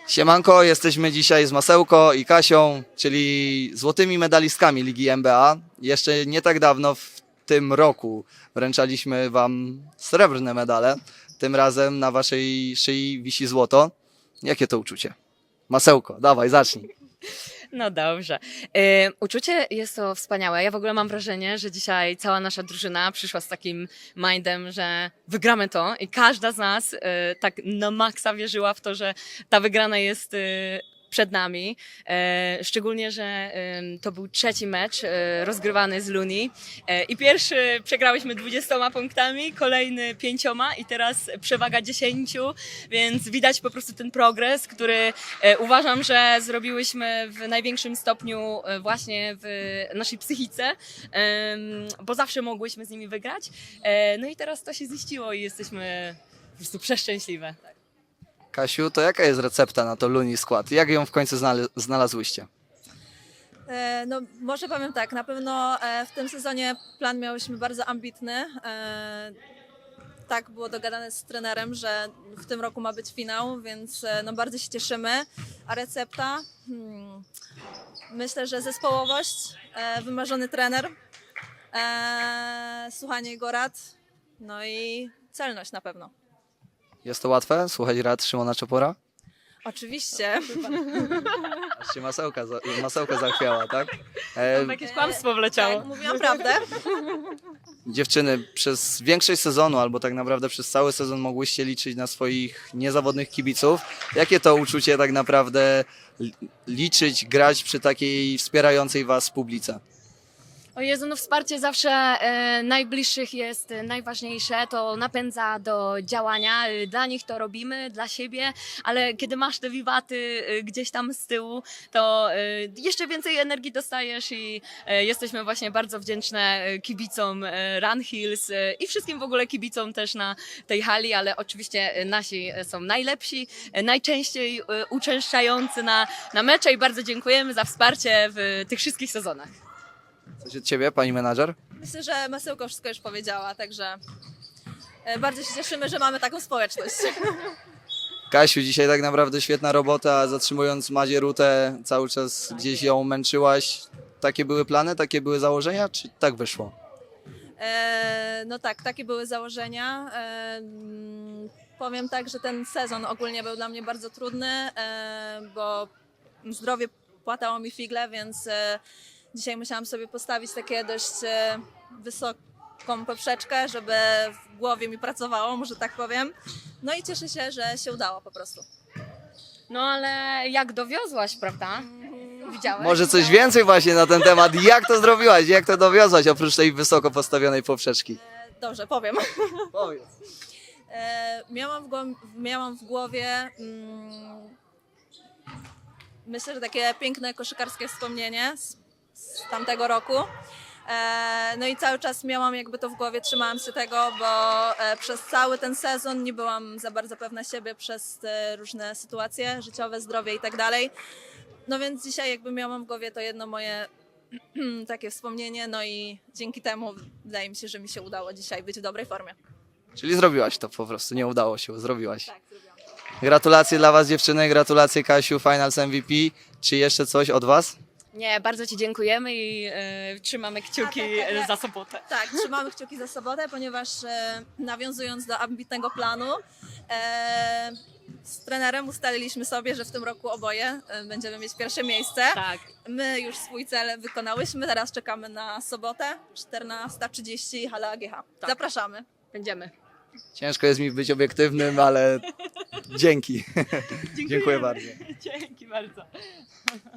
Siemanko, jesteśmy dzisiaj z Masełko i Kasią, czyli złotymi medalistkami Ligi NBA. Jeszcze nie tak dawno, w tym roku, wręczaliśmy wam srebrne medale. Tym razem na waszej szyi wisi złoto. Jakie to uczucie? Masełko, dawaj, zacznij. No dobrze. Uczucie jest to wspaniałe. Ja w ogóle mam wrażenie, że dzisiaj cała nasza drużyna przyszła z takim mindem, że wygramy to i każda z nas tak na maksa wierzyła w to, że ta wygrana jest przed nami. Szczególnie, że to był trzeci mecz rozgrywany z Luni i pierwszy przegrałyśmy 20 punktami, kolejny 5 i teraz przewaga 10, więc widać po prostu ten progres, który uważam, że zrobiłyśmy w największym stopniu właśnie w naszej psychice, bo zawsze mogłyśmy z nimi wygrać. No i teraz to się ziściło i jesteśmy po prostu przeszczęśliwe. Kasiu, to jaka jest recepta na to Luni skład? Jak ją w końcu znalazłyście? No, może powiem tak, na pewno w tym sezonie plan miałyśmy bardzo ambitny. Tak było dogadane z trenerem, że w tym roku ma być finał, więc no, bardzo się cieszymy. A recepta? Myślę, że zespołowość, wymarzony trener, słuchanie jego rad, no i celność na pewno. Jest to łatwe? Słuchać rad Szymona Czopora? Oczywiście. Aż się masełka zachwiała, tak? Tam jakieś kłamstwo wleciało. Tak, mówiłam prawdę. Dziewczyny, przez większość sezonu, albo tak naprawdę przez cały sezon mogłyście liczyć na swoich niezawodnych kibiców. Jakie to uczucie tak naprawdę liczyć, grać przy takiej wspierającej was publice? O Jezu, no wsparcie zawsze najbliższych jest najważniejsze, to napędza do działania, dla nich to robimy, dla siebie, ale kiedy masz te wiwaty gdzieś tam z tyłu, to jeszcze więcej energii dostajesz i jesteśmy właśnie bardzo wdzięczne kibicom Run Hills i wszystkim w ogóle kibicom też na tej hali, ale oczywiście nasi są najlepsi, najczęściej uczęszczający na mecze i bardzo dziękujemy za wsparcie w tych wszystkich sezonach. Coś od ciebie, pani menadżer? Myślę, że Masełko wszystko już powiedziała, także bardzo się cieszymy, że mamy taką społeczność. Kasiu, dzisiaj tak naprawdę świetna robota, zatrzymując Madzie Rutę, cały czas gdzieś ją męczyłaś. Takie były plany, takie były założenia, czy tak wyszło? No tak, takie były założenia. Powiem tak, że ten sezon ogólnie był dla mnie bardzo trudny, bo zdrowie płatało mi figle, więc dzisiaj musiałam sobie postawić takie dość wysoką poprzeczkę, żeby w głowie mi pracowało, może tak powiem. No i cieszę się, że się udało po prostu. No ale jak dowiozłaś, prawda? Widziałeś? Może coś więcej właśnie na ten temat. Jak to zrobiłaś? Jak to dowiozłaś oprócz tej wysoko postawionej poprzeczki? Dobrze, powiem. Powiedz. Miałam w głowie myślę, że takie piękne koszykarskie wspomnienie z tamtego roku. No i cały czas miałam jakby to w głowie, trzymałam się tego, bo przez cały ten sezon nie byłam za bardzo pewna siebie przez te różne sytuacje życiowe, zdrowie i tak dalej. No więc dzisiaj jakby miałam w głowie to jedno moje takie wspomnienie, no i dzięki temu wydaje mi się, że mi się udało dzisiaj być w dobrej formie. Czyli zrobiłaś to po prostu, nie udało się, zrobiłaś. Tak, zrobiłam. Gratulacje dla was dziewczyny, gratulacje Kasiu, Finals MVP. Czy jeszcze coś od was? Nie, bardzo ci dziękujemy i trzymamy kciuki za sobotę. Tak, trzymamy kciuki za sobotę, ponieważ nawiązując do ambitnego planu, z trenerem ustaliliśmy sobie, że w tym roku oboje będziemy mieć pierwsze miejsce. Tak. My już swój cel wykonałyśmy, teraz czekamy na sobotę, 14:30, hala AGH. Tak. Zapraszamy. Będziemy. Ciężko jest mi być obiektywnym, ale dzięki. Dziękuję bardzo. Dzięki bardzo.